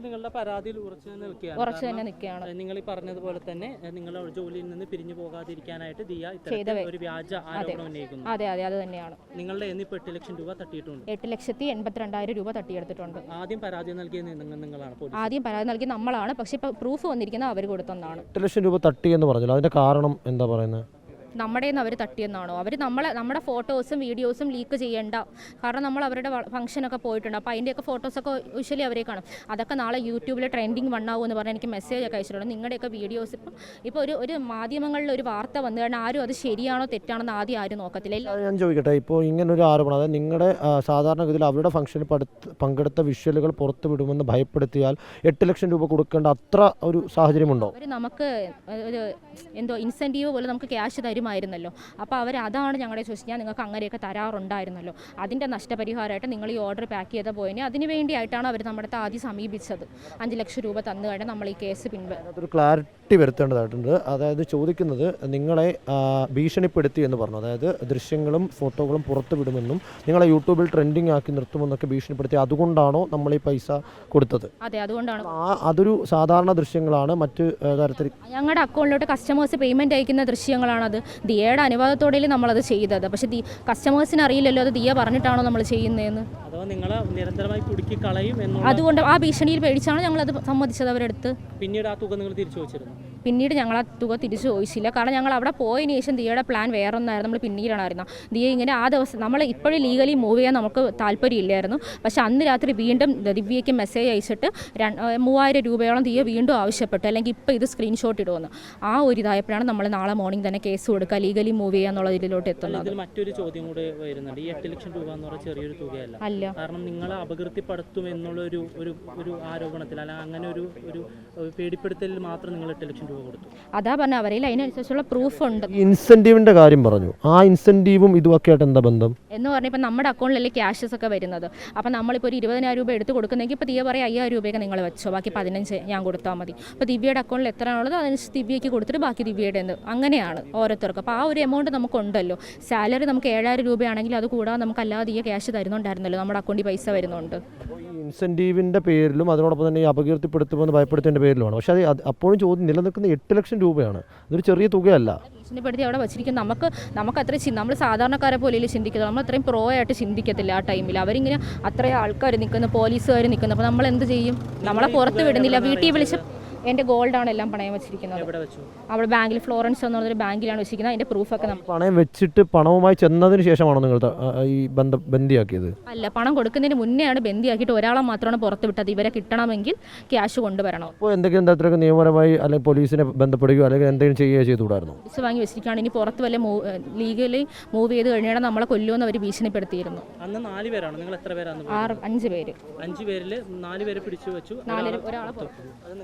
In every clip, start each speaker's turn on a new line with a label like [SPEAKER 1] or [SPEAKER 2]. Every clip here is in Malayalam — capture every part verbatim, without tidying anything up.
[SPEAKER 1] നിങ്ങളുടെ പരാതിയിൽ ഉറച്ചു തന്നെ നിൽക്കുകയാണ്. നിങ്ങൾ ഈ പറഞ്ഞതുപോലെ തന്നെ നിങ്ങളുടെ ജോലിയിൽ നിന്ന് പിരിഞ്ഞു പോകാതിരിക്കാനായിട്ട് ദിയ ഇത്തരത്തിൽ ഒരു വ്യാജ ആരോപണം ഉന്നയിക്കുന്നു.
[SPEAKER 2] അതെ അതെ അത് തന്നെയാണ്.
[SPEAKER 1] നിങ്ങളുടെ എന്നിപ്പോൾ എട്ട് ലക്ഷം രൂപ തട്ടിയിട്ടുണ്ട്.
[SPEAKER 2] എട്ട് ലക്ഷത്തി എൺപത്തിരണ്ടായിരം രൂപ തട്ടിയെടുത്തിട്ടുണ്ട്.
[SPEAKER 1] ആദ്യം പരാതി നൽകിയത് നിങ്ങളാണ്?
[SPEAKER 2] ആദ്യം പരാതി നൽകി നമ്മളാണ്. പക്ഷെ ഇപ്പൊ പ്രൂഫ് വന്നിരിക്കുന്നത് അവർ കൊടുത്തെന്നാണ്.
[SPEAKER 3] എട്ട് ലക്ഷം രൂപ തട്ടി എന്ന് പറഞ്ഞല്ലോ, അതിന്റെ കാരണം എന്താ പറയുന്നത്?
[SPEAKER 2] നമ്മുടെ നിന്ന് അവർ തട്ടിയെന്നാണോ? അവർ നമ്മളെ നമ്മുടെ ഫോട്ടോസും വീഡിയോസും ലീക്ക് ചെയ്യേണ്ട, കാരണം നമ്മൾ അവരുടെ ഫംഗ്ഷനൊക്കെ പോയിട്ടുണ്ട്. അപ്പോൾ അതിൻ്റെയൊക്കെ ഫോട്ടോസൊക്കെ യൂഷ്വലി അവരെ കാണും. അതൊക്കെ നാളെ യൂട്യൂബിൽ ട്രെൻഡിങ് വണ്ണാവും എന്ന് പറഞ്ഞാൽ എനിക്ക് മെസ്സേജ് ഒക്കെ അയച്ചിട്ടുണ്ട്. നിങ്ങളുടെയൊക്കെ വീഡിയോസ് ഇപ്പം ഇപ്പോൾ ഒരു ഒരു മാധ്യമങ്ങളിൽ ഒരു വാർത്ത വന്നു കഴിഞ്ഞാൽ ആരും അത് ശരിയാണോ തെറ്റാണെന്ന് ആദ്യം ആരും നോക്കത്തില്ല.
[SPEAKER 3] ഞാൻ ചോദിക്കട്ടെ, ഇപ്പോൾ ഇങ്ങനൊരു ആരോപണം, അതായത് നിങ്ങളുടെ സാധാരണഗതിയിൽ അവരുടെ ഫംഗ്ഷനിൽ പങ്കെടുത്ത വിഷ്വലുകൾ പുറത്തു വിടുമെന്ന് ഭയപ്പെടുത്തിയാൽ എട്ട് ലക്ഷം രൂപ കൊടുക്കേണ്ട അത്ര ഒരു സാഹചര്യമുണ്ടോ?
[SPEAKER 2] അവർ നമുക്ക് ഒരു എന്തോ ഇൻസെൻറ്റീവ് പോലെ നമുക്ക് ക്യാഷ് തരുമായിരുന്നല്ലോ. അപ്പോൾ അവർ അതാണ് ഞങ്ങളെ ചോദിച്ചു, ഞാൻ നിങ്ങൾക്ക് അങ്ങനെയൊക്കെ തരാറുണ്ടായിരുന്നല്ലോ, അതിൻ്റെ നഷ്ടപരിഹാരമായിട്ട് നിങ്ങൾ ഈ ഓർഡർ പാക്ക് ചെയ്ത പോയിന് അതിന് വേണ്ടിയിട്ടാണ് അവർ നമ്മുടെ ആദ്യം സമീപിച്ചത്. അഞ്ച് ലക്ഷം രൂപ തന്നു കഴിഞ്ഞാൽ നമ്മൾ ഈ കേസ് പിൻവലിക്കും.
[SPEAKER 3] ഒരു ക്ലാരിറ്റി വരുത്തേണ്ടതായിട്ടുണ്ട്. അതായത് ചോദിക്കുന്നത്, നിങ്ങളെ ഭീഷണിപ്പെടുത്തി എന്ന് പറഞ്ഞു, അതായത് ദൃശ്യങ്ങളും ഫോട്ടോകളും പുറത്തു വിടുമെന്നും നിങ്ങളെ യൂട്യൂബിൽ ട്രെൻഡിങ് ആക്കി നിർത്തുമെന്നൊക്കെ ഭീഷണിപ്പെടുത്തി, അതുകൊണ്ടാണോ നമ്മൾ ഈ പൈസ കൊടുത്തത്?
[SPEAKER 2] അതെ, അതുകൊണ്ടാണ്.
[SPEAKER 3] അതൊരു സാധാരണ ദൃശ്യങ്ങളാണ്, മറ്റ് തരത്തിൽ
[SPEAKER 2] ഞങ്ങളുടെ അക്കൗണ്ടിലോട്ട് കസ്റ്റമേഴ്സ് പേയ്മെൻറ്റ് അയക്കുന്ന ദൃശ്യങ്ങളാണത്. ദിയയുടെ അനുവാദത്തോടെ നമ്മളത് ചെയ്തത്. പക്ഷേ ദി കസ്റ്റമേഴ്സിന് അറിയില്ലല്ലോ അത് ദിയ പറഞ്ഞിട്ടാണോ നമ്മൾ ചെയ്യുന്നതെന്ന്. അതുകൊണ്ട് ആ ഭീഷണിയിൽ പേടിച്ചാണ് ഞങ്ങളത് സമ്മതിച്ചത് അവരെടുത്ത്.
[SPEAKER 1] പിന്നീട് ആ തുക നിങ്ങൾ തിരിച്ചു ചോദിച്ചിരുന്നു?
[SPEAKER 2] പിന്നീട് ഞങ്ങൾ ആ തുക തിരിച്ചു ചോദിച്ചില്ല, കാരണം ഞങ്ങൾ അവിടെ പോയതിന് ശേഷം ദിയയുടെ പ്ലാൻ വേറെ ഒന്നായിരുന്നു. നമ്മൾ പിന്നീടാണ് അറിയുന്നത് ദിയ ഇങ്ങനെ ആ ദിവസം നമ്മൾ ഇപ്പോഴും ലീഗലി മൂവ് ചെയ്യാൻ നമുക്ക് താല്പര്യമില്ലായിരുന്നു. പക്ഷേ അന്ന് രാത്രി വീണ്ടും ദിവ്യയ്ക്ക് മെസ്സേജ് അയച്ചിട്ട് മൂവായിരം രൂപയോളം ദിയ വീണ്ടും ആവശ്യപ്പെട്ടു, അല്ലെങ്കിൽ ഇപ്പോൾ ഇത് സ്ക്രീൻഷോട്ട് ഇടുമെന്ന്. ആ ഒരു ഇതായപ്പോഴാണ് നമ്മൾ നാളെ മോർണിംഗ് തന്നെ കേസ് കൊടുക്കുക, ലീഗലി മൂവ് ചെയ്യുക എന്നുള്ള ഇതിലോട്ട് എത്തുന്നത്.
[SPEAKER 1] മറ്റൊരു ചോദ്യം കൂടെ വരുന്നുണ്ട്. ഈ എട്ട് ലക്ഷം രൂപ എന്ന് പറഞ്ഞാൽ ചെറിയൊരു തുകയല്ല
[SPEAKER 2] അല്ല,
[SPEAKER 1] കാരണം നിങ്ങളെ അപകീർത്തിപ്പെടുത്തും എന്നുള്ള ഒരു ഒരു ആരോപണത്തിൽ അല്ല അങ്ങനെ ഒരു ഒരു പേടിപ്പെടുത്തലിൽ മാത്രം നിങ്ങൾ എട്ട് ലക്ഷം രൂപ കൊടുത്തു.
[SPEAKER 2] അതാ പറഞ്ഞ അവരെ അതിനനുസരിച്ചുള്ള പ്രൂഫ് ഉണ്ട്.
[SPEAKER 3] ഇൻസെന്റീവിന്റെ കാര്യം പറഞ്ഞു, ആ ഇൻസെന്റീവും ഇതുമൊക്കെ ആയിട്ട് എന്താ ബന്ധം
[SPEAKER 2] എന്ന് പറഞ്ഞാൽ ഇപ്പം നമ്മുടെ അക്കൗണ്ടിലല്ലേ ക്യാഷസ് ഒക്കെ വരുന്നത്. അപ്പം നമ്മളിപ്പോൾ ഒരു ഇരുപതിനായിരം രൂപ എടുത്ത് കൊടുക്കുന്നെങ്കിൽ ഇപ്പോൾ ദിയ പറയും അയ്യായിരം രൂപയൊക്കെ നിങ്ങൾ വെച്ചോ, ബാക്കി പതിനഞ്ച് ഞാൻ കൊടുത്താൽ മതി. അപ്പോൾ ദിവ്യയുടെ അക്കൗണ്ടിൽ എത്രയാണുള്ളത് അതനുസരിച്ച് ദിവ്യയ്ക്ക് കൊടുത്തിട്ട് ബാക്കി ദിവ്യയുടെ എന്ന് അങ്ങനെയാണ് ഓരോരുത്തർക്കും. അപ്പോൾ ആ ഒരു എമൗണ്ട് നമുക്കുണ്ടല്ലോ. സാലറി നമുക്ക് ഏഴായിരം രൂപയാണെങ്കിൽ അത് കൂടാതെ നമുക്ക് അല്ലാതെ ദിയ ക്യാഷ് തരുന്നുണ്ടായിരുന്നല്ലോ, നമ്മുടെ അക്കൗണ്ടിൽ പൈസ വരുന്നുണ്ട്.
[SPEAKER 3] ഇൻസെന്റീവിന്റെ പേരിലും അതിനോടൊപ്പം തന്നെ ഈ അപകീർത്തിപ്പെടുത്തുമെന്ന് ഭയപ്പെടുത്തേണ്ട പേരിലുമാണ്. പക്ഷേ അത് അപ്പോഴും ചോദ്യം നിലനിൽക്കുന്ന എട്ട് ലക്ഷം രൂപയാണ്, ഇതൊരു ചെറിയ തുകയല്ല.
[SPEAKER 2] ഭീഷണിപ്പെടുത്തി അവിടെ വെച്ചിരിക്കും. നമുക്ക് നമുക്ക് അത്ര നമ്മൾ സാധാരണക്കാരെ പോലെ ചിന്തിക്കുന്നത്, നമ്മൾ അത്രയും പ്രോ ആയിട്ട് ചിന്തിക്കത്തില്ല ആ ടൈമിൽ. അവരിങ്ങനെ അത്രയും ആൾക്കാർ നിൽക്കുന്നു, പോലീസുകാർ നിൽക്കുന്നു. അപ്പോൾ നമ്മൾ എന്ത് ചെയ്യും? നമ്മളെ പുറത്ത് വിടുന്നില്ല, വീട്ടിൽ വിളിച്ച് എൻ്റെ ഗോൾഡാണ് എല്ലാം പണയം വെച്ചിരിക്കുന്നത്. അവിടെ ബാങ്കിൽ ഫ്ലോറൻസ് എന്ന് പറഞ്ഞൊരു ബാങ്കിലാണ് വെച്ചിരിക്കുന്നത്. അതിൻ്റെ പ്രൂഫൊക്കെ നമ്മൾ
[SPEAKER 3] പണയം വെച്ചിട്ട് പണവുമായി ചെന്നതിന് ശേഷമാണോ നിങ്ങൾ ഈ ബന്ധ ബന്ദിയാക്കിയത്?
[SPEAKER 2] അല്ല, പണം കൊടുക്കുന്നതിന് മുന്നെയാണ് ബന്ദിയാക്കിയിട്ട് ഒരാളെ മാത്രമാണ് പുറത്ത് വിട്ടത്. ഇവരെ കിട്ടണമെങ്കിൽ ക്യാഷ് കൊണ്ടുവരണം.
[SPEAKER 3] അപ്പോൾ എന്തെങ്കിലും തരത്തിലൊക്കെ നിയമപരമായി അല്ലെങ്കിൽ പോലീസിനെ ബന്ധപ്പെടുകയോ അല്ലെങ്കിൽ എന്തെങ്കിലും ചെയ്യുകയോ ചെയ്തുകൂടായിരുന്നു?
[SPEAKER 2] പോലീസ് വാങ്ങി വെച്ചിരിക്കുകയാണ്. ഇനി പുറത്ത് വല്ല ലീഗലി മൂവ് ചെയ്ത് കഴിഞ്ഞാൽ നമ്മളെ കൊല്ലുമെന്ന് അവർ ഭീഷണിപ്പെടുത്തിയിരുന്നു.
[SPEAKER 1] അന്ന് നാല് പേരാണ്. നിങ്ങൾ എത്ര പേരാണ്?
[SPEAKER 2] ആറ് അഞ്ച് പേര്.
[SPEAKER 1] അഞ്ച് പേരിൽ നാല് പേരെ പിടിച്ചു വെച്ചു,
[SPEAKER 2] നാല് ഒരാളെ പുറത്ത്.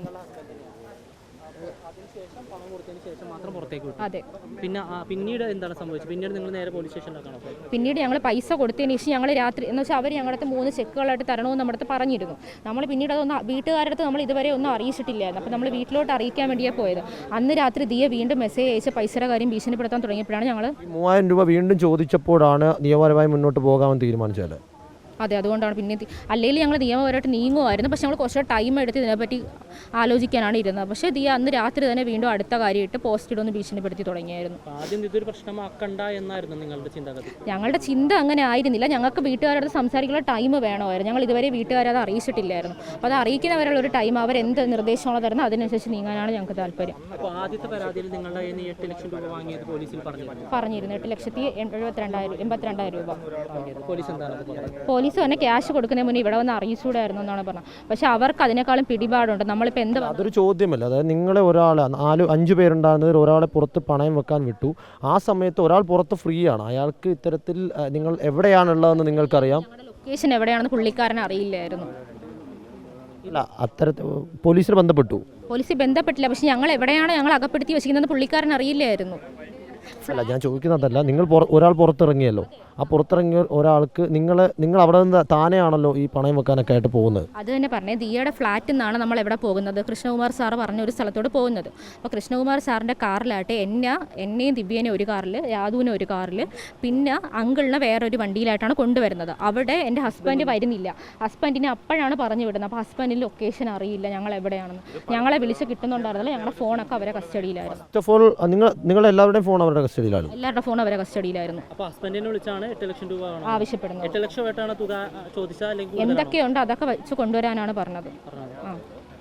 [SPEAKER 1] അതിനുശേഷം പണം കൊടുത്തതിന് ശേഷം മാത്രം പുറത്തേക്ക് വിട്ടു.
[SPEAKER 2] അതെ. പിന്നെ
[SPEAKER 1] പിന്നീട് എന്താണ് സംഭവിച്ചത്? പിന്നീട് നിങ്ങൾ നേരെ പോലീസ് സ്റ്റേഷനിലേക്കാണോ പോയത്?
[SPEAKER 2] പിന്നീട് ഞങ്ങൾ പൈസ കൊടുത്തതിന് ശേഷം ഞങ്ങൾ രാത്രി എന്ന് വെച്ചാൽ അവർ ഞങ്ങളുടെ മൂന്ന് ചെക്കുകളായിട്ട് തരണമെന്ന് നമ്മുടെ അടുത്ത് പറഞ്ഞിരുന്നു. നമ്മൾ പിന്നീട് അതൊന്ന് വീട്ടുകാരുടെ അടുത്ത് നമ്മൾ ഇതുവരെ ഒന്നും അറിയിച്ചിട്ടില്ലായിരുന്നു. അപ്പോൾ നമ്മൾ വീട്ടിലോട്ട് അറിയിക്കാൻ വേണ്ടിയാണ് പോയത്. അന്ന് രാത്രി ദിയ വീണ്ടും മെസ്സേജ് അയച്ച് പൈസയുടെ കാര്യം ഭീഷണിപ്പെടുത്താൻ തുടങ്ങിയപ്പോഴാണ് ഞങ്ങൾ
[SPEAKER 3] മൂവായിരം രൂപ വീണ്ടും ചോദിച്ചപ്പോഴാണ് നിയമപരമായി മുന്നോട്ട് പോകാമെന്ന് തീരുമാനിച്ചത്.
[SPEAKER 2] അതെ, അതുകൊണ്ടാണ്. പിന്നെ അല്ലെങ്കിൽ ഞങ്ങൾ നിയമപരമായിട്ട് നീങ്ങുമായിരുന്നു, പക്ഷെ ഞങ്ങൾ കുറച്ച് ടൈം എടുത്ത് ഇതിനെപ്പറ്റി ആലോചിക്കാനാണ് ഇരുന്നത്. പക്ഷേ ദിയ അന്ന് രാത്രി തന്നെ വീണ്ടും അടുത്ത കാര്യമായിട്ട് പോസ്റ്റ് ഇടൊന്ന് ഭീഷണിപ്പെടുത്തി തുടങ്ങിയായിരുന്നു.
[SPEAKER 1] ആദ്യം ഇതൊരു പ്രശ്നമാക്കണ്ട എന്നായിരുന്നു നിങ്ങളുടെ ചിന്തഗതി?
[SPEAKER 2] ഞങ്ങളുടെ ചിന്ത അങ്ങനെ ആയിരുന്നില്ല. ഞങ്ങൾക്ക് വീട്ടുകാരോട് സംസാരിക്കാനുള്ള ടൈം വേണമായിരുന്നു. ഞങ്ങൾ ഇതുവരെ വീട്ടുകാരെ അത് അറിയിച്ചിട്ടില്ലായിരുന്നു. അപ്പോൾ അത് അറിയിക്കുന്നവരുള്ള ഒരു ടൈം അവരെന്ത് നിർദ്ദേശമാണോ തരുന്നത് അതിനനുസരിച്ച് നീങ്ങാനാണ് ഞങ്ങൾക്ക് താല്പര്യം.
[SPEAKER 1] അപ്പോൾ ആദ്യത്തെ പരാതിയിൽ നിങ്ങളുടെ എട്ട് ലക്ഷം രൂപ വാങ്ങിയത് പോലീസിൽ പറഞ്ഞിരുന്നു?
[SPEAKER 2] പറഞ്ഞിരുന്നു. എട്ട് ലക്ഷത്തി എഴുപത്തിരണ്ടായിരം എൺപത്തിരണ്ടായിരം രൂപ.
[SPEAKER 1] പോലീസ് എന്താണ്?
[SPEAKER 2] പോലീസ് തന്നെ ക്യാഷ് കൊടുക്കുന്നതിന് മുന്നേ ഇവിടെ വന്ന് അറിയിച്ചുകൂടായിരുന്നു എന്നാണ് പറഞ്ഞത്. പക്ഷെ അവർക്ക് അതിനേക്കാളും പിടിപാടുണ്ട്. നമ്മളിപ്പോൾ എന്ത്
[SPEAKER 3] അതൊരു ചോദ്യമല്ല. അതായത് നിങ്ങളെ ഒരാൾ നാല് അഞ്ച് പേരുണ്ടാകുന്നതിൽ ഒരാളെ പുറത്ത് പണയം വെക്കാൻ വിട്ടു. ആ സമയത്ത് ഒരാൾ പുറത്ത് ഫ്രീ ആണ്. അയാൾക്ക് ഇത്തരത്തിൽ നിങ്ങൾ എവിടെയാണുള്ളതെന്ന് നിങ്ങൾക്കറിയാം.
[SPEAKER 2] ലൊക്കേഷൻ എവിടെയാണെന്ന് പുള്ളിക്കാരൻ അറിയില്ലായിരുന്നു.
[SPEAKER 3] ഇല്ല, അത്തരത്തിൽ പോലീസിന് ബന്ധപ്പെട്ടു.
[SPEAKER 2] പോലീസ് ബന്ധപ്പെട്ടില്ല. പക്ഷെ ഞങ്ങൾ എവിടെയാണ് ഞങ്ങൾ അകപ്പെടുത്തി വെച്ചിരിക്കുന്നത് പുള്ളിക്കാരൻ അറിയില്ലായിരുന്നു.
[SPEAKER 3] അല്ല, ഞാൻ ചോദിക്കുന്നതല്ല. നിങ്ങൾ ഒരാൾ പുറത്തിറങ്ങിയല്ലോ, ആ പുറത്തിറങ്ങിയ ഒരാൾക്ക് നിങ്ങൾ നിങ്ങൾ അവിടെ നിന്ന് താനെയാണല്ലോ ഈ പണയം വെക്കാനൊക്കെ ആയിട്ട് പോകുന്നത്.
[SPEAKER 2] അത് തന്നെ പറഞ്ഞേ, ദിയയുടെ ഫ്ലാറ്റിൽ നിന്നാണ് നമ്മൾ എവിടെ പോകുന്നത്, കൃഷ്ണകുമാർ സാറ് പറഞ്ഞ ഒരു സ്ഥലത്തോട് പോകുന്നത്. അപ്പോൾ കൃഷ്ണകുമാർ സാറിൻ്റെ കാറിലായിട്ട് എന്നെ എന്നെയും ദിവ്യേനെ ഒരു കാറിൽ, യാദുവിനെ ഒരു കാറിൽ, പിന്നെ അങ്കിളിനെ വേറൊരു വണ്ടിയിലായിട്ടാണ് കൊണ്ടുവരുന്നത്. അവിടെ എൻ്റെ ഹസ്ബൻഡ് വരുന്നില്ല. ഹസ്ബൻഡിനെ അപ്പോഴാണ് പറഞ്ഞു വിടുന്നത്. അപ്പോൾ ഹസ്ബൻഡിന് ലൊക്കേഷൻ അറിയില്ല ഞങ്ങൾ എവിടെയാണെന്ന്. ഞങ്ങളെ വിളിച്ച് കിട്ടുന്നുണ്ടായിരുന്നില്ല. ഞങ്ങളുടെ ഫോണൊക്കെ അവരെ കസ്റ്റഡിയിലായിരുന്നു.
[SPEAKER 3] ഫസ്റ്റ് ഓഫ് ഓൾ നിങ്ങൾ നിങ്ങളെല്ലാവരുടെയും ഫോൺ അവരുടെ കസ്റ്റഡിയിലാണ്?
[SPEAKER 2] എല്ലാവരുടെ ഫോൺ അവരെ കസ്റ്റഡിയിലായിരുന്നു.
[SPEAKER 1] അപ്പോൾ ഹസ്ബൻഡിനെ വിളിച്ചാണ് എട്ട് ലക്ഷം രൂപ
[SPEAKER 2] ആവശ്യപ്പെടുന്നത്.
[SPEAKER 1] എട്ട് ലക്ഷമായിട്ടാണ് തുക ചോദിച്ചാൽ അല്ലെങ്കിൽ
[SPEAKER 2] എന്തൊക്കെയുണ്ട് അതൊക്കെ വെച്ച് കൊണ്ടുവരാനാണ് പറഞ്ഞത്. ആ